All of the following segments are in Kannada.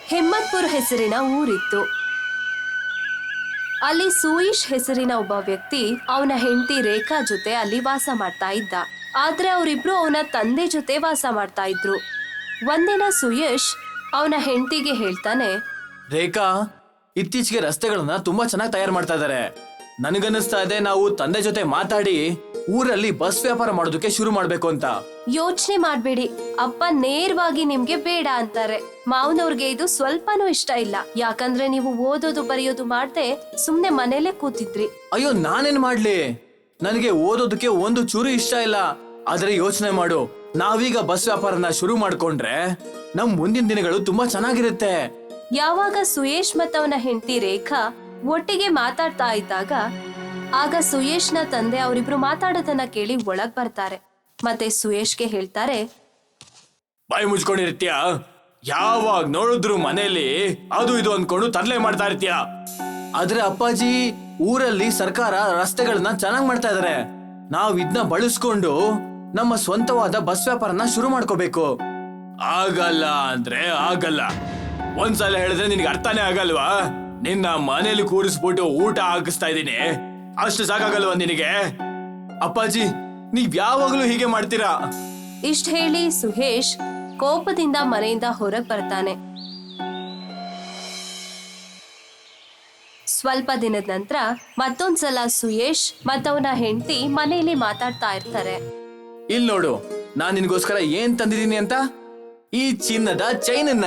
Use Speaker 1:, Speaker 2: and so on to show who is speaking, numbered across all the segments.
Speaker 1: ಹಿಮ್ಮತ್ಪುರ್ ಹೆಸರಿನ ಊರಿತ್ತು. ಅಲ್ಲಿ ಸುಯೇಶ್ ಹೆಸರಿನ ಒಬ್ಬ ವ್ಯಕ್ತಿ ಅವನ ಹೆಂಡತಿ ರೇಖಾ ಜೊತೆ ಅಲ್ಲಿ ವಾಸ ಮಾಡ್ತಾ ಇದ್ದ. ಆದ್ರೆ ಅವರಿಬ್ರು ಅವನ ತಂದೆ ಜೊತೆ ವಾಸ ಮಾಡ್ತಾ ಇದ್ರು. ಒಂದಿನ ಸುಯೇಶ್ ಅವನ ಹೆಂಡತಿಗೆ ಹೇಳ್ತಾನೆ,
Speaker 2: ರೇಖಾ, ಇತ್ತೀಚೆಗೆ ರಸ್ತೆಗಳನ್ನ ತುಂಬಾ ಚೆನ್ನಾಗಿ ತಯಾರು ಮಾಡ್ತಾ ಇದಾರೆ. ನನಗನ್ನಿಸ್ತಾ ಇದೆ ನಾವು ತಂದೆ ಜೊತೆ ಮಾತಾಡಿ ಊರಲ್ಲಿ ಬಸ್ ವ್ಯಾಪಾರ ಮಾಡೋದಕ್ಕೆ ಶುರು ಮಾಡ್ಬೇಕು ಅಂತ.
Speaker 1: ಯೋಚನೆ ಮಾಡ್ಬೇಡಿ, ಅಪ್ಪ ನೇರವಾಗಿ ನಿಮ್ಗೆ ಬೇಡ ಅಂತಾರೆ. ಮಾವನವ್ರಿಗೆ ಇದು ಸ್ವಲ್ಪನೂ ಇಷ್ಟ ಇಲ್ಲ. ಯಾಕಂದ್ರೆ ನೀವು ಓದೋದು ಬರೆಯೋದು ಮಾಡ್ದೆ ಸುಮ್ನೆ ಮನೇಲೆ ಕೂತಿದ್ರಿ.
Speaker 2: ಅಯ್ಯೋ, ನಾನೇನ್ ಮಾಡ್ಲಿ? ನನಗೆ ಓದೋದಕ್ಕೆ ಒಂದು ಚೂರು ಇಷ್ಟ ಇಲ್ಲ. ಆದ್ರೆ ಯೋಚನೆ ಮಾಡು, ನಾವೀಗ ಬಸ್ ವ್ಯಾಪಾರನ ಶುರು ಮಾಡ್ಕೊಂಡ್ರೆ ನಮ್ ಮುಂದಿನ ದಿನಗಳು ತುಂಬಾ ಚೆನ್ನಾಗಿರುತ್ತೆ.
Speaker 1: ಯಾವಾಗ ಸುಯೇಶ್ ಮತ್ತವನ ಹೆಂಡತಿ ರೇಖಾ ಒಟ್ಟಿಗೆ ಮಾತಾಡ್ತಾ ಇದ್ದಾಗ ಆಗ ಸುಯೇಶ್ನ ತಂದೆ ಅವರಿಬ್ರು ಮಾತಾಡೋದನ್ನ ಕೇಳಿ ಒಳಗ್ ಬರ್ತಾರೆ. ಮತ್ತೆ ಸುಯೇಶ್ಗೆ ಹೇಳ್ತಾರೆ,
Speaker 2: ಬಾಯಿ ಮುಚ್ಕೊಂಡಿರ್ತೀಯ? ಯಾವಾಗ ನೋಡಿದ್ರು ಮನೇಲಿ ಅದು ಇದು ಅನ್ಕೊಂಡು ತರಲೆ ಮಾಡ್ತಾ ಇರ್ತೀಯ. ಆದ್ರೆ ಅಪ್ಪಾಜಿ, ಊರಲ್ಲಿ ಸರ್ಕಾರ ರಸ್ತೆಗಳನ್ನ ಚೆನ್ನಾಗ್ ಮಾಡ್ತಾ ಇದಾರೆ. ನಾವ್ ಇದನ್ನ ಬಳಸ್ಕೊಂಡು ನಮ್ಮ ಸ್ವಂತವಾದ ಬಸ್ ವ್ಯಾಪಾರನ ಶುರು ಮಾಡ್ಕೋಬೇಕು. ಆಗಲ್ಲ ಅಂದ್ರೆ ಆಗಲ್ಲ. ಒಂದ್ಸಲ ಹೇಳಿದ್ರೆ ನಿನ್ಗೆ ಅರ್ಥನೇ ಆಗಲ್ವಾ? ನಿನ್ನ ಮನೇಲಿ ಕೂರಿಸ್ಬಿಟ್ಟು ಊಟ ಹಾಕಿಸ್ತಾ ಇದೀನಿ, ಅಷ್ಟು ಸಾಕಾಗಲ್ವಾ ನಿನಗೆ? ಅಪ್ಪಾಜಿ, ನೀವ್ ಯಾವಾಗ್ಲೂ ಹೀಗೆ ಮಾಡ್ತೀರಾ?
Speaker 1: ಇಷ್ಟ ಹೇಳಿ ಸುಹೇಶ್ ಕೋಪದಿಂದ ಮನೆಯಿಂದ ಹೊರಗ್ ಬರ್ತಾನೆ. ಸ್ವಲ್ಪ ದಿನದ ನಂತರ ಮತ್ತೊಂದ್ಸಲ ಸುಯೇಶ್ ಮತ್ತವನ ಹೆಂಡತಿ ಮನೆಯಲ್ಲಿ ಮಾತಾಡ್ತಾ ಇರ್ತಾರೆ.
Speaker 2: ಇಲ್ ನೋಡು, ನಾನ್ ನಿನ್ಗೋಸ್ಕರ ಏನ್ ತಂದಿದೀನಿ ಅಂತ. ಈ ಚಿನ್ನದ ಚೈನನ್ನ.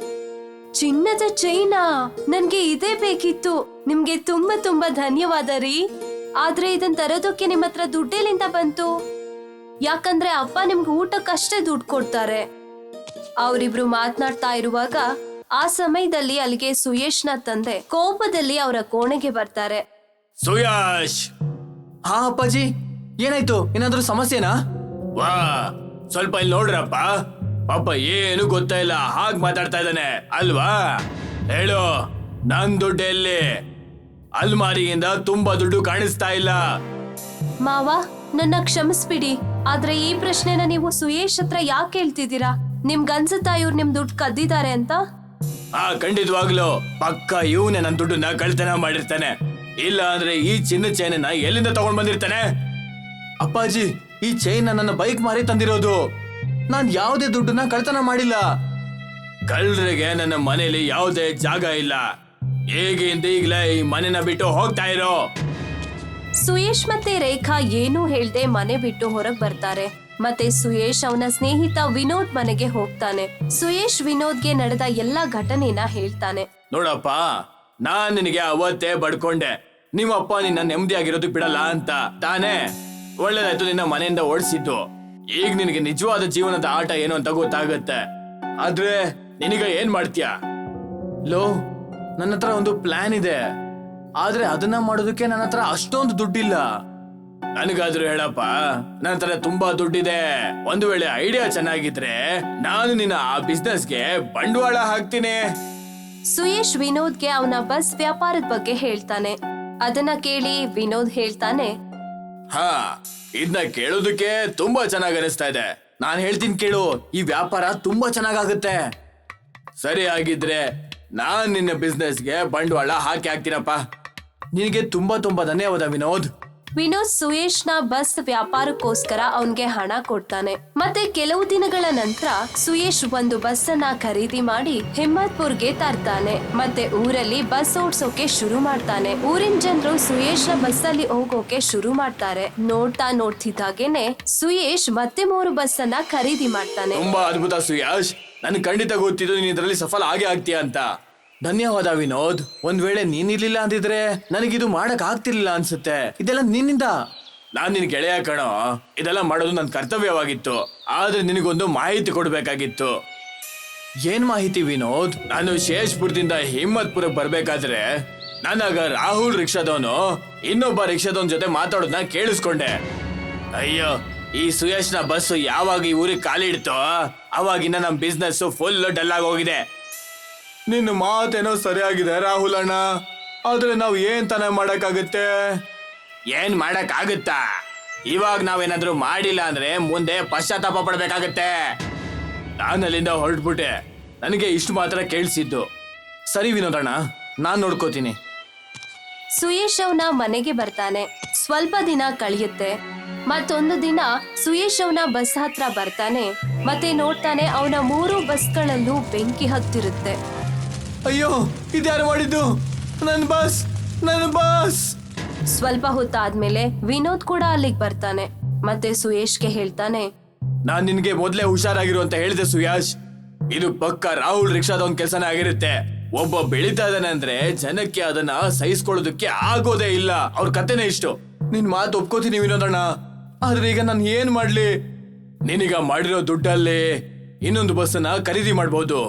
Speaker 1: ಚಿನ್ನದ ಚೈನಾ? ನನ್ಗೆ ಇದೇ ಬೇಕಿತ್ತು. ನಿಮ್ಗೆ ತುಂಬಾ ತುಂಬಾ ಧನ್ಯವಾದ ರೀ. ಆದ್ರೆ ಇದನ್ ತರೋದಕ್ಕೆ ನಿಮ್ ಹತ್ರ ದುಡ್ಡೆಲ್ಲಿಂದ ಬಂತು? ಯಾಕಂದ್ರೆ ಅಪ್ಪ ನಿಮ್ಗೆ ಊಟಕ್ಕಷ್ಟೇ ದುಡ್ಡು ಕೊಡ್ತಾರೆ. ಅವರಿಬ್ರು ಮಾತನಾಡ್ತಾ ಇರುವಾಗ ಆ ಸಮಯದಲ್ಲಿ ಅಲ್ಲಿಗೆ ಸುಯೇಶ್ನ ತಂದೆ ಕೋಪದಲ್ಲಿ ಅವರ ಕೋಣೆಗೆ ಬರ್ತಾರೆ.
Speaker 2: ಸುಯೇಶ್! ಹಾ ಅಪ್ಪಾಜಿ, ಏನಾಯ್ತು? ಏನಾದ್ರೂ ಸಮಸ್ಯೆನಾ? ವಾ, ಸ್ವಲ್ಪ ಇಲ್ಲಿ ನೋಡ್ರಪ್ಪ. ಪಾಪ ಏನು ಗೊತ್ತಾ ಇಲ್ಲ ಹಾಗ್ ಮಾತಾಡ್ತಾ ಇದ್ದಾನೆ ಅಲ್ವಾ? ಹೇಳು, ನನ್ ದುಡ್ಡು ಎಲ್ಲಿ? ಅಲ್ಮಾರಿಯಿಂದ ತುಂಬಾ ದುಡ್ಡು ಕಾಣಿಸ್ತಾ ಇಲ್ಲ.
Speaker 1: ಮಾವ, ನನ್ನ ಕ್ಷಮಿಸ್ಬಿಡಿ. ಆದ್ರೆ ಈ ಪ್ರಶ್ನೆನ ನೀವು ಸುಯೇಶ್ ಹತ್ರ ಯಾಕೆ ಕೇಳ್ತಿದ್ದೀರಾ? ನಿಮ್ಗನ್ಸುತ್ತಾ ಇವ್ರು ನಿಮ್ ದುಡ್ಡು ಕದ್ದಿದ್ದಾರೆ ಅಂತ?
Speaker 2: ಖಂಡಿತವಾಗ್ಲು ಪಕ್ಕ ಇವನೇ ನನ್ ದುಡ್ಡನ್ನ ಕಳ್ತನ ಮಾಡಿರ್ತಾನೆ. ಇಲ್ಲ ಅಂದ್ರೆ ಈ ಚಿನ್ನ ಚೈನನ್ನ ಎಲ್ಲಿಂದ ತಗೊಂಡ್ ಬಂದಿರ್ತಾನೆ? ಅಪ್ಪಾಜಿ, ಈ ಚೈನ್ ನನ್ನ ಬೈಕ್ ಮಾರಿ ತಂದಿರೋದು. ನಾನ್ ಯಾವುದೇ ದುಡ್ಡನ್ನ ಕಳ್ತನ ಮಾಡಿಲ್ಲ. ಕಳ್ಳರಿಗೆ ನನ್ನ ಮನೇಲಿ ಯಾವುದೇ ಜಾಗ ಇಲ್ಲ. ಹೇಗಿಂದ ಈಗ್ಲೇ ಈ ಮನೆನ ಬಿಟ್ಟು ಹೋಗ್ತಾ ಇರೋ.
Speaker 1: ಸುಯೇಶ್ ಮತ್ತೆ ರೇಖಾ ಏನೂ ಹೇಳ್ದೆ ಮನೆ ಬಿಟ್ಟು ಹೊರಗ್ ಬರ್ತಾರೆ. ಮತ್ತೆ ಸುಯೇಶ್ ಅವನ ಸ್ನೇಹಿತ ವಿನೋದ್ ಮನೆಗೆ ಹೋಗ್ತಾನೆ. ಸುಯೇಶ್ ವಿನೋದ್ಗೆ ನಡೆದ ಎಲ್ಲಾ ಘಟನೆನ ಹೇಳ್ತಾನೆ.
Speaker 2: ನೋಡಪ್ಪ, ನಾನ್ ನಿನಗೆ ಅವತ್ತೇ ಬಡ್ಕೊಂಡೆ, ನಿಮ್ಮಪ್ಪ ನಿನ್ನ ನೆಮ್ಮದಿಯಾಗಿರೋದಕ್ ಬಿಡಲ್ಲ ಅಂತ ತಾನೇ. ಒಳ್ಳೇದಾಯ್ತು ನಿನ್ನ ಮನೆಯಿಂದ ಓಡಿಸಿದ್ದು. ಈಗ ನಿನಗೆ ನಿಜವಾದ ಜೀವನದ ಆಟ ಏನು ಅಂತ ಗೊತ್ತಾಗತ್ತೆ. ಆದ್ರೆ ನಿನಗ ಏನ್ ಮಾಡ್ತೀಯ? ಲೋ, ನನ್ನ ಹತ್ರ ಒಂದು ಪ್ಲಾನ್ ಇದೆ. ಆದ್ರೆ ಅದನ್ನ ಮಾಡೋದಕ್ಕೆ ನನ್ನ ಹತ್ರ ಅಷ್ಟೊಂದು ದುಡ್ಡಿಲ್ಲ. ನನಗಾದ್ರೂ ಹೇಳಪ್ಪ, ನನ್ನ ಹತ್ರ ತುಂಬಾ ದುಡ್ಡಿದೆ. ಒಂದು ವೇಳೆ ಐಡಿಯಾ ಚೆನ್ನಾಗಿದ್ರೆ ನಾನು ನಿನ್ನ ಆ ಬಿಸ್ನೆಸ್ಗೆ ಬಂಡವಾಳ ಹಾಕ್ತೀನಿ.
Speaker 1: ಸುಯೇಶ್ ವಿನೋದ್ಗೆ ಅವನ ಬಸ್ ವ್ಯಾಪಾರದ ಬಗ್ಗೆ ಹೇಳ್ತಾನೆ. ಅದನ್ನ ಕೇಳಿ ವಿನೋದ್ ಹೇಳ್ತಾನೆ,
Speaker 2: ಹಾ, ಇದನ್ನ ಕೇಳೋದಕ್ಕೆ ತುಂಬಾ ಚೆನ್ನಾಗಿ ಅನಿಸ್ತಾ ಇದೆ. ನಾನ್ ಹೇಳ್ತೀನಿ ಕೇಳು, ಈ ವ್ಯಾಪಾರ ತುಂಬಾ ಚೆನ್ನಾಗಾಗುತ್ತೆ. ಸರಿ, ಆಗಿದ್ರೆ ನಾನ್ ನಿನ್ನ ಬಿಸ್ನೆಸ್ಗೆ ಬಂಡವಾಳ ಹಾಕಿ ಹಾಕ್ತೀನಪ್ಪ. ನಿನಗೆ ತುಂಬಾ ತುಂಬಾ ಧನ್ಯವಾದ ವಿನೋದ್.
Speaker 1: ವಿನೋದ್ ಸುಯೇಶ್ನ ಬಸ್ ವ್ಯಾಪಾರಕ್ಕೋಸ್ಕರ ಅವನ್ಗೆ ಹಣ ಕೊಡ್ತಾನೆ. ಮತ್ತೆ ಕೆಲವು ದಿನಗಳ ನಂತರ ಸುಯೇಶ್ ಒಂದು ಬಸ್ ಅನ್ನ ಖರೀದಿ ಮಾಡಿ ಹಿಮ್ಮತ್ಪುರ್ಗೆ ತರ್ತಾನೆ. ಮತ್ತೆ ಊರಲ್ಲಿ ಬಸ್ ಓಡ್ಸೋಕೆ ಶುರು ಮಾಡ್ತಾನೆ. ಊರಿನ ಜನರು ಸುಯೇಶ್ನ ಬಸ್ ಅಲ್ಲಿ ಹೋಗೋಕೆ ಶುರು ಮಾಡ್ತಾರೆ. ನೋಡ್ತಿದ್ದಾಗೇನೆ ಸುಯೇಶ್ ಮತ್ತೆ 3 ಬಸ್ ಅನ್ನ ಖರೀದಿ ಮಾಡ್ತಾನೆ.
Speaker 2: ತುಂಬಾ ಅದ್ಭುತ ಸುಯೇಶ್, ನನ್ ಖಂಡಿತ ಗೊತ್ತಿದ್ದು ನೀನ್ ಇದರಲ್ಲಿ ಸಫಲ ಆಗೇ ಆಗ್ತೀಯ ಅಂತ. ಧನ್ಯವಾದ ವಿನೋದ್. ಒಂದ್ ವೇಳೆ ನೀನಿರ್ಲಿಲ್ಲ ಅಂದಿದ್ರೆ ನನಗಿದು ಮಾಡಕ್ ಆಗ್ತಿರ್ಲಿಲ್ಲ ಅನ್ಸುತ್ತೆ. ಇದೆಲ್ಲ ನಿನ್ನಿಂದ. ನಾನ್ ನಿನ್ ಗೆಳೆಯ ಕಣೋ, ಇದೆಲ್ಲ ಮಾಡೋದು ನನ್ ಕರ್ತವ್ಯವಾಗಿತ್ತು. ಆದ್ರೆ ನಿನಗೊಂದು ಮಾಹಿತಿ ಕೊಡ್ಬೇಕಾಗಿತ್ತು. ಏನ್ ಮಾಹಿತಿ ವಿನೋದ್? ನಾನು ಶೇಷ್ಪುರದಿಂದ ಹಿಮ್ಮತ್ಪುರಕ್ಕೆ ಬರ್ಬೇಕಾದ್ರೆ ನನಗ ರಾಹುಲ್ ರಿಕ್ಷಾದವನು ಇನ್ನೊಬ್ಬ ರಿಕ್ಷಾದವನ್ ಜೊತೆ ಮಾತಾಡೋದನ್ನ ಕೇಳಿಸ್ಕೊಂಡೆ. ಅಯ್ಯೋ, ಈ ಸುಯೇಶ್ನ ಬಸ್ ಯಾವಾಗ ಈ ಊರಿಗೆ ಕಾಲಿಡ್ತೋ ಅವಾಗಿನ ನಮ್ ಬಿಸ್ನೆಸ್ ಫುಲ್ ಡಲ್ ಆಗಿ ಹೋಗಿದೆ. ನಿನ್ನ ಮಾತೇನೋ ಸರಿಯಾಗಿದೆ ರಾಹುಲ್ ಅಣ್ಣ, ಆದ್ರೆ ನಾವ್ ಏನ್ ತಾನೇ ಮಾಡಕ್ಕಾಗತ್ತೆ? ಏನ್ ಮಾಡಕ್ಕಾಗುತ್ತಾ? ಇವಾಗ ನಾವೇನಾದ್ರೂ ಮಾಡಿಲ್ಲ ಅಂದ್ರೆ ಮುಂದೆ ಪಶ್ಚಾತ್ತಾಪ ಪಡ್ಬೇಕಾಗತ್ತೆ. ನಾನು ಅಲ್ಲಿಂದ ಹೊರಟ್ಬಿಟ್ಟೆ. ನನಗೆ ಇಷ್ಟು ಮಾತ್ರ ಕೇಳಿಸಿದ್ದು. ಸರಿ ವಿನೋದಣ್ಣ, ನಾನ್ ನೋಡ್ಕೋತೀನಿ.
Speaker 1: ಸುಯೇಶ್ ಅವನ ಮನೆಗೆ ಬರ್ತಾನೆ. ಸ್ವಲ್ಪ ದಿನ ಕಳೆಯುತ್ತೆ. ಮತ್ತೊಂದು ದಿನ ಸುಯೇಶ್ ಅವನ ಬಸ್ ಹತ್ರ ಬರ್ತಾನೆ. ಮತ್ತೆ ನೋಡ್ತಾನೆ ಅವನ 3 ಬಸ್ಗಳಲ್ಲೂ ಬೆಂಕಿ ಹತ್ತಿರುತ್ತೆ.
Speaker 2: ಅಯ್ಯೋ, ಇದ್ಯಾರು ಮಾಡಿದ್ದು? ನನ್ನ ಬಸ್, ನನ್ನ ಬಸ್!
Speaker 1: ಸ್ವಲ್ಪ ಹೊತ್ತಾದ್ಮೇಲೆ ವಿನೋದ್ ಕೂಡ ಅಲ್ಲಿಗೆ ಬರ್ತಾನೆ. ಮತ್ತೆ ಸುಯೇಶ್ಗೆ ಹೇಳ್ತಾನೆ,
Speaker 2: ನಾನ್ ನಿನ್ಗೆ ಮೊದ್ಲೇ ಹುಷಾರಾಗಿರು ಅಂತ ಹೇಳಿದೆ ಸುಯಾಶ್. ಇದು ಪಕ್ಕ ರಾಹುಲ್ ರಿಕ್ಷಾದ ಒಂದ್ ಕೆಲ್ಸನೇ ಆಗಿರುತ್ತೆ. ಒಬ್ಬ ಬೆಳೀತಾ ಇದ್ದಾನೆ ಅಂದ್ರೆ ಜನಕ್ಕೆ ಅದನ್ನ ಸಹಿಸ್ಕೊಳ್ಳೋದಕ್ಕೆ ಆಗೋದೇ ಇಲ್ಲ. ಅವ್ರ ಕತೆನೇ ಇಷ್ಟು. ನಿನ್ ಮಾತು ಒಪ್ಕೋತೀನಿ ವಿನೋದಣ್ಣ, ಆದ್ರೆ ಈಗ ನಾನು ಏನ್ ಮಾಡ್ಲಿ? ನಿನಗ ಮಾಡಿರೋ ದುಡ್ಡಲ್ಲಿ ಇನ್ನೊಂದು ಬಸ್ಸನ್ನ ಖರೀದಿ ಮಾಡ್ಬೋದು.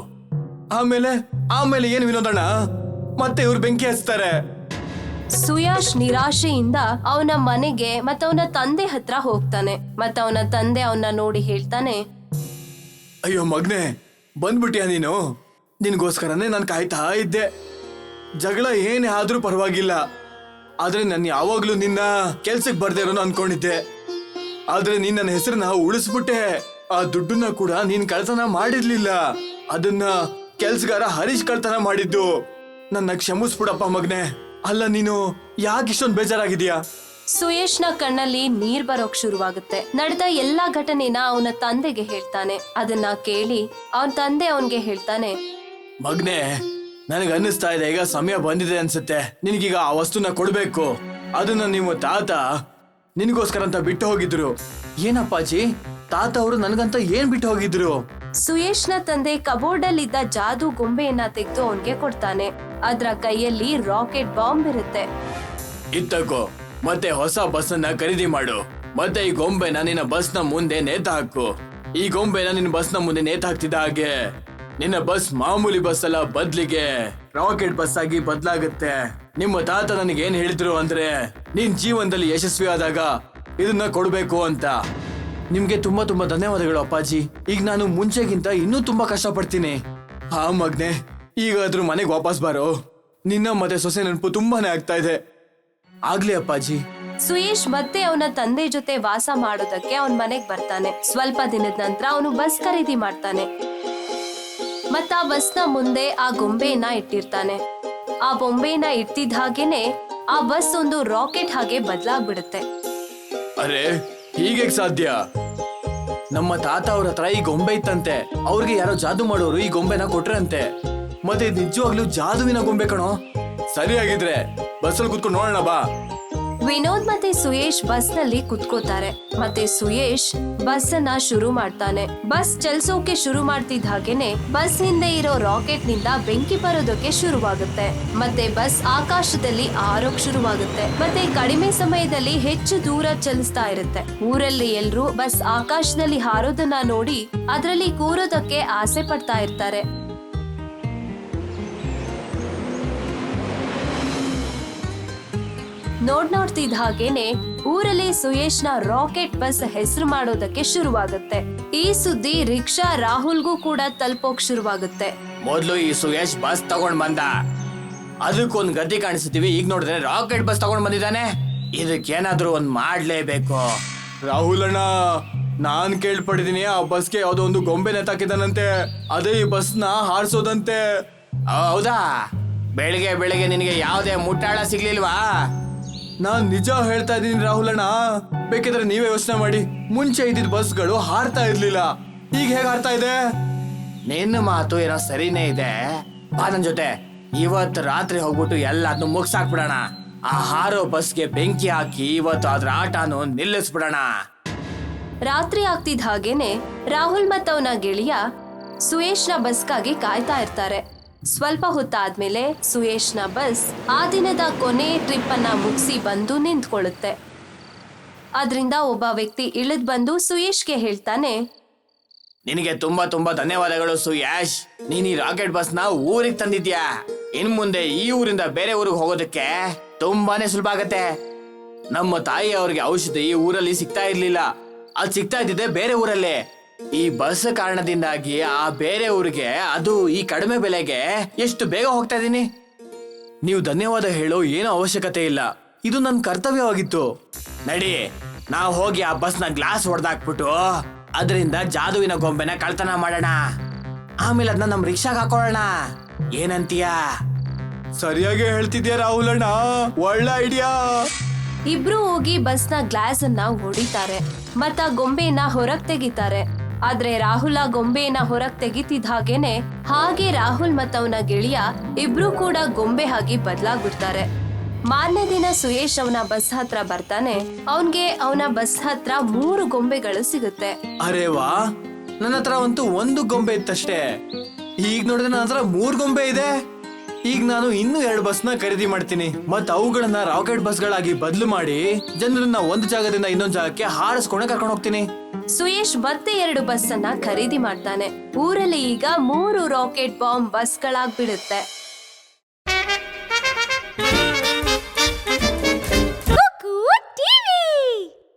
Speaker 2: ಆಮೇಲೆ ಏನ್ ವಿನೋದಣ್ಣ? ಮತ್ತೆ ಇವ್ರು ಬೆಂಕಿ ಹಚ್ತಾರೆ.
Speaker 1: ಸುಯಾಶ್ ನಿರಾಶೆಯಿಂದ ಅವನ ಮನೆಗೆ ಮತ್ತವನ ತಂದೆ ಹತ್ರ ಹೋಗ್ತಾನೆ. ಮತ್ತವನ ತಂದೆ ಅವನ್ನ ನೋಡಿ ಹೇಳ್ತಾನೆ,
Speaker 2: ಅಯ್ಯೋ ಮಗ್ನೆ, ಬಂದ್ಬಿಟ್ಯಾ ನೀನು? ನಿನ್ಗೋಸ್ಕರನೇ ನಾನು ಕಾಯ್ತಾ ಇದ್ದೆ. ಜಗಳ ಏನೇ ಆದ್ರೂ ಪರವಾಗಿಲ್ಲ, ಆದ್ರೆ ನಾನು ಯಾವಾಗ್ಲೂ ನಿನ್ನ ಕೆಲ್ಸಕ್ಕೆ ಬರ್ದೇ ಇರೋನು ಅನ್ಕೊಂಡಿದ್ದೆ. ಆದ್ರೆ ನೀನ್ ನನ್ನ ಹೆಸರನ್ನ ಉಳಿಸ್ಬಿಟ್ಟೆ. ಆ ದುಡ್ಡನ್ನ ಕೂಡ ನೀನ್ ಕಳ್ತನ ಮಾಡಿರ್ಲಿಲ್ಲ, ಅದನ್ನ ಕೆಲ್ಸಗಾರ ಹರೀಶ್ ಕಳ್ತನ ಮಾಡಿದ್ದು. ನನ್ನ ಕ್ಷಮಿಸ್ಬಿಡಪ್ಪ ಮಗ್ನೆ. ಅಲ್ಲ, ನೀನು ಯಾಕೆ ಇಷ್ಟೊಂದು ಬೇಜಾರಾಗಿದ್ಯಾ?
Speaker 1: ಸುಯೇಶ್ನ ಕಣ್ಣಲ್ಲಿ ನೀರ್ ಬರೋಕ್ ಶುರುವಾಗುತ್ತೆ. ನಡೆದ ಎಲ್ಲಾ ಘಟನೆನ ಅವನ ತಂದೆಗೆ ಹೇಳ್ತಾನೆ. ಅದನ್ನ ಕೇಳಿ ಅವನ ತಂದೆ ಅವನ್ಗೆ ಹೇಳ್ತಾನೆ,
Speaker 2: ಮಗ್ನೆ, ನನಗೆ ಅನ್ನಿಸ್ತಾ ಇದೆ ಈಗ ಸಮಯ ಬಂದಿದೆ ಅನ್ಸುತ್ತೆ. ನಿನಗೀಗ ಆ ವಸ್ತುನ ಕೊಡ್ಬೇಕು. ಅದನ್ನ ನಿಮ್ಮ ತಾತ ನಿನಗೋಸ್ಕರ ಅಂತ ಬಿಟ್ಟು ಹೋಗಿದ್ರು. ಏನಪ್ಪಾಜಿ, ತಾತ ಅವರು ನನಗಂತ ಏನ್ ಬಿಟ್ಟು ಹೋಗಿದ್ರು?
Speaker 1: ಸುಯೇಶ್ನ ತಂದೆ ಕಬೋರ್ಡ್ ಅಲ್ಲಿದ್ದ ಜಾದೂ ಗೊಂಬೆಯನ್ನ ತೆಗೆದು ಅವನ್ಗೆ ಕೊಡ್ತಾನೆ. ಅದ್ರ ಕೈಯಲ್ಲಿ ರಾಕೆಟ್ ಬಾಂಬ್ ಇರುತ್ತೆ.
Speaker 2: ಇತ್ತಕೋ, ಮತ್ತೆ ಹೊಸ ಬಸ್ ಅನ್ನ ಖರೀದಿ ಮಾಡು. ಮತ್ತೆ ಈ ಗೊಂಬೆನ ನಿನ್ನ ಬಸ್ ನ ಮುಂದೆ ನೇತು ಹಾಕು. ಈ ಗೊಂಬೆನ ನಿನ್ನ ಬಸ್ ನ ಮುಂದೆ ನೇತು ಹಾಕ್ತಿದ್ದ ಹಾಗೆ ನಿನ್ನ ಬಸ್ ಮಾಮೂಲಿ ಬಸ್ ಅಲ್ಲ, ಬದ್ಲಿಗೆ ರಾಕೆಟ್ ಬಸ್ ಆಗಿ ಬದ್ಲಾಗುತ್ತೆ. ನಿಮ್ಮ ತಾತ ನನಗೆ ಏನ್ ಹೇಳಿದ್ರು ಅಂದ್ರೆ, ನೀನ್ ಜೀವನದಲ್ಲಿ ಯಶಸ್ವಿ ಆದಾಗ ಇದನ್ನ ಕೊಡ್ಬೇಕು ಅಂತ. ನಿಮ್ಗೆ ತುಂಬಾ ತುಂಬಾ ಧನ್ಯವಾದಗಳು ಅಪ್ಪಾಜಿ. ಈಗ ನಾನು ಮುಂಚೆಗಿಂತ ಇನ್ನೂ ತುಂಬಾ ಕಷ್ಟ ಪಡ್ತೀನಿ. ಹಾ ಮಗ್ನೆ, ಈಗಾದ್ರೂ ಮನೆಗೆ ವಾಪಸ್ ಬಾರೋ. ನಿನ್ನ ಮತ್ತೆ ಸೊಸೆ ನೆನಪು ತುಂಬಾನೇ ಆಗ್ತಾ ಇದೆ. ಆಗ್ಲಿ ಅಪ್ಪಾಜಿ.
Speaker 1: ಸುಯೇಶ್ ಮತ್ತೆ ಅವನ ತಂದೆ ಜೊತೆ ವಾಸ ಮಾಡೋದಕ್ಕೆ ಅವನ್ ಮನೆಗ್ ಬರ್ತಾನೆ. ಸ್ವಲ್ಪ ದಿನದ ನಂತರ ಅವನು ಬಸ್ ಖರೀದಿ ಮಾಡ್ತಾನೆ. ಮತ್ತ ಆ ಬಸ್ನ ಮುಂದೆ ಆ ಗೊಂಬೆಯನ್ನ ಇಟ್ಟಿರ್ತಾನೆ. ಆ ಬೊಂಬೆನ ಇಟ್ಟಿದ್ದ ಹಾಗೇನೆ ಆ ಬಸ್ ಒಂದು ರಾಕೆಟ್ ಹಾಗೆ ಬದಲಾಗ್ಬಿಡುತ್ತೆ.
Speaker 2: ಅರೆ, ಹೀಗೆ ಸಾಧ್ಯ? ನಮ್ಮ ತಾತ ಅವ್ರ ಹತ್ರ ಈ ಗೊಂಬೆ ಇತ್ತಂತೆ. ಅವ್ರಿಗೆ ಯಾರೋ ಜಾದೂ ಮಾಡೋರು ಈ ಗೊಂಬೆನ ಕೊಟ್ರಂತೆ. ಮತ್ತೆ ನಿಜವಾಗ್ಲೂ ಜಾದುವಿನ ಗೊಂಬೆ ಕಣೋ. ಸರಿಯಾಗಿದ್ರೆ ಬಸ್ಸಲ್ಲಿ ಕುತ್ಕೊಂಡು ನೋಡೋಣ ಬಾ.
Speaker 1: ವಿನೋದ್ ಮತ್ತೆ ಸುಯೇಶ್ ಬಸ್ ನಲ್ಲಿ ಕುತ್ಕೋತಾರೆ. ಮತ್ತೆ ಸುಯೇಶ್ ಬಸ್ ಅನ್ನ ಶುರು ಮಾಡ್ತಾನೆ. ಬಸ್ ಚಲಿಸೋಕೆ ಶುರು ಮಾಡ್ತಿದ್ದ ಹಾಗೇನೆ ಬಸ್ ಹಿಂದೆ ಇರೋ ರಾಕೆಟ್ ನಿಂದ ಬೆಂಕಿ ಬರೋದಕ್ಕೆ ಶುರುವಾಗುತ್ತೆ. ಮತ್ತೆ ಬಸ್ ಆಕಾಶದಲ್ಲಿ ಹಾರೋಕ್ ಶುರುವಾಗುತ್ತೆ. ಮತ್ತೆ ಕಡಿಮೆ ಸಮಯದಲ್ಲಿ ಹೆಚ್ಚು ದೂರ ಚಲಿಸ್ತಾ ಇರುತ್ತೆ. ಊರಲ್ಲಿ ಎಲ್ರು ಬಸ್ ಆಕಾಶದಲ್ಲಿ ಹಾರೋದನ್ನ ನೋಡಿ ಅದರಲ್ಲಿ ಕೂರೋದಕ್ಕೆ ಆಸೆ ಪಡ್ತಾ ಇರ್ತಾರೆ. ನೋಡ್ತಿದ್ದ ಹಾಗೇನೆ ಊರಲ್ಲಿ ಸುಯೇಶ್ನ ರಾಕೆಟ್ ಬಸ್ ಹೆಸರು ಮಾಡೋದಕ್ಕೆ ಶುರುವಾಗುತ್ತೆ. ಈ ಸುದ್ದಿ ರಿಕ್ಷಾ ರಾಹುಲ್ಗೂ ಕೂಡ ತಲುಪೋಕ್ ಶುರುವಾಗುತ್ತೆ.
Speaker 2: ಮೊದ್ಲು ಈ ಸುಯೇಶ್ ಬಸ್ ತಗೊಂಡ್ ಬಂದ, ಅದಕ್ಕೊಂದ್ ಗತಿ ಕಾಣಿಸ್ತೀವಿ. ಈಗ ನೋಡಿದ್ರೆ ರಾಕೆಟ್ ಬಸ್ ತಗೊಂಡ್ ಬಂದಿದ್ದಾನೆ. ಇದಕ್ಕೇನಾದ್ರೂ ಒಂದ್ ಮಾಡ್ಲೇಬೇಕು. ರಾಹುಲ್ ಅಣ್ಣ, ನಾನ್ ಕೇಳ್ಪಟ್ಟಿದೀನಿ ಆ ಬಸ್ಗೆ ಯಾವ್ದೋ ಒಂದು ಗೊಂಬೆ ನೇತಾಕಿದಾನಂತೆ. ಅದೇ ಈ ಬಸ್ನ ಹಾರಿಸೋದಂತೆ. ಹೌದಾ? ಬೆಳಿಗ್ಗೆ ಬೆಳಿಗ್ಗೆ ನಿನಗೆ ಯಾವ್ದೇ ಮುಟ್ಟಾಳ ಸಿಗ್ಲಿಲ್ವಾ? ನಾನ್ ನಿಜ ಹೇಳ್ತಾ ಇದ್ದೀನಿ ರಾಹುಲ್ ಅಣ್ಣ. ಬೇಕಿದ್ರೆ ನೀವೇ ಯೋಚನೆ ಮಾಡಿ. ಮುಂಚೆ ಇದ್ದಿದ್ ಬಸ್ಗಳು ಹಾರ್ತಾ ಇರ್ಲಿಲ್ಲ, ಈಗ ಹೇಗ್ ಹಾರ್ತಾ ಇದೆ? ನಿನ್ನ ಮಾತು ಏನೋ ಸರಿನೇ ಇದೆ. ಬಾ ನನ್ ಜೊತೆ. ಇವತ್ತು ರಾತ್ರಿ ಹೋಗ್ಬಿಟ್ಟು ಎಲ್ಲಾದ್ನೂ ಮುಗ್ಸಾಕ್ಬಿಡೋಣ. ಆ ಹಾರೋ ಬಸ್ಗೆ ಬೆಂಕಿ ಹಾಕಿ ಇವತ್ತು ಅದ್ರ ಆಟನು ನಿಲ್ಲಿಸ್ಬಿಡೋಣ.
Speaker 1: ರಾತ್ರಿ ಆಗ್ತಿದ್ದ ಹಾಗೇನೆ ರಾಹುಲ್ ಮತ್ತವನ ಗೆಳೆಯ ಸುಯೇಶ್ನ ಬಸ್ಗಾಗಿ ಕಾಯ್ತಾ ಇರ್ತಾರೆ. ಸ್ವಲ್ಪ ಹೊತ್ತಾದ್ಮೇಲೆ ಸುಯೇಶ್ನ ಬಸ್ ಆ ದಿನದ ಕೊನೆ ಟ್ರಿಪ್ ಅನ್ನ ಮುಗಿಸಿ ಬಂದು ನಿಂತ್ಕೊಳ್ಳುತ್ತೆ. ಅದರಿಂದ ಒಬ್ಬ ವ್ಯಕ್ತಿ ಇಳಿದ್ ಬಂದು ಸುಯೇಶ್ಗೆ ಹೇಳ್ತಾನೆ,
Speaker 2: ನಿನಗೆ ತುಂಬಾ ತುಂಬಾ ಧನ್ಯವಾದಗಳು ಸುಯೇಶ್. ನೀನ್ ಈ ರಾಕೆಟ್ ಬಸ್ ನ ಊರಿಗೆ ತಂದಿದ್ಯಾ. ಇನ್ ಮುಂದೆ ಈ ಊರಿಂದ ಬೇರೆ ಊರಿಗೆ ಹೋಗೋದಕ್ಕೆ ತುಂಬಾನೇ ಸುಲಭ ಆಗತ್ತೆ. ನಮ್ಮ ತಾಯಿ ಅವ್ರಿಗೆ ಔಷಧಿ ಈ ಊರಲ್ಲಿ ಸಿಗ್ತಾ ಇರ್ಲಿಲ್ಲ, ಅದು ಸಿಗ್ತಾ ಇದ್ದಿದೆ ಬೇರೆ ಊರಲ್ಲಿ. ಈ ಬಸ್ ಕಾರಣದಿಂದಾಗಿ ಆ ಬೇರೆ ಊರಿಗೆ, ಅದು ಈ ಕಡಿಮೆ ಬೆಲೆಗೆ ಎಷ್ಟು ಬೇಗ ಹೋಗ್ತಾ ಇದೀನಿ. ನೀವು ಧನ್ಯವಾದ ಹೇಳೋ ಏನೋ ಅವಶ್ಯಕತೆ ಇಲ್ಲ, ಇದು ನನ್ನ ಕರ್ತವ್ಯವಾಗಿತ್ತು. ನಡಿ, ನಾವು ಹೋಗಿ ಆ ಬಸ್ನ ಗ್ಲಾಸ್ ಹೊಡೆದಾಕ್ಬಿಟ್ಟು ಅದರಿಂದ ಜಾದುವಿನ ಗೊಂಬೆನ ಕಳ್ತನ ಮಾಡೋಣ. ಆಮೇಲೆ ಅದನ್ನ ನಮ್ ರಿಕ್ಷಾಗ್ ಹಾಕೊಳ್ಳೋಣ, ಏನಂತೀಯಾ? ಸರಿಯಾಗಿ ಹೇಳ್ತಿದ್ಯಾ ರಾಹುಲ್ ಅಣ್ಣ, ಒಳ್ಳೆ ಐಡಿಯಾ.
Speaker 1: ಇಬ್ರು ಹೋಗಿ ಬಸ್ನ ಗ್ಲಾಸ್ ಅನ್ನ ಹೊಡಿತಾರೆ ಮತ್ತ ಗೊಂಬೆನ ಹೊರಗ್ ತೆಗಿತಾರೆ. ಆದ್ರೆ ರಾಹುಲ್ ಆ ಗೊಂಬೆನ ಹೊರಗ್ ತೆಗಿತಿದ್ ಹಾಗೆ ರಾಹುಲ್ ಮತ್ತ ಅವನ ಗೆಳೆಯ ಇಬ್ರು ಕೂಡ ಗೊಂಬೆ ಆಗಿ ಬದಲಾಗ್ಬಿಡ್ತಾರೆ. ಮಾರನೇ ದಿನ ಸುಯೇಶ್ ಅವನ ಬಸ್ ಹತ್ರ ಬರ್ತಾನೆ. ಅವನ್ಗೆ ಅವನ ಬಸ್ ಹತ್ರ 3 ಗೊಂಬೆಗಳು ಸಿಗುತ್ತೆ.
Speaker 2: ಅರೆ ವಾ, ನನ್ನ ಹತ್ರ ಅಂತೂ 1 ಗೊಂಬೆ ಇತ್ತಷ್ಟೇ. ಈಗ ನೋಡಿದ್ರೆ ನನ್ನ ಹತ್ರ 3 ಗೊಂಬೆ ಇದೆ. ಈಗ ನಾನು ಇನ್ನೂ 2 ಬಸ್ನ ಖರೀದಿ ಮಾಡ್ತೀನಿ ಮತ್ ಅವುಗಳನ್ನ ರಾಕೆಟ್ ಬಸ್ಗಳಾಗಿ ಬದಲು ಮಾಡಿ ಜನರನ್ನ ಒಂದು ಜಾಗದಿಂದ ಇನ್ನೊಂದು ಜಾಗಕ್ಕೆ ಹಾರಿಸ್ಕೊಂಡು ಕರ್ಕೊಂಡು ಹೋಗ್ತೀನಿ.
Speaker 1: ಸುಯೇಶ್ ಮತ್ತೆ 2 ಬಸ್ ಅನ್ನ ಖರೀದಿ ಮಾಡ್ತಾನೆ. ಊರಲ್ಲಿ ಈಗ 3 ರಾಕೆಟ್ ಬಾಂಬ್ ಬಸ್ಗಳಾಗ್ಬಿಡುತ್ತೆ.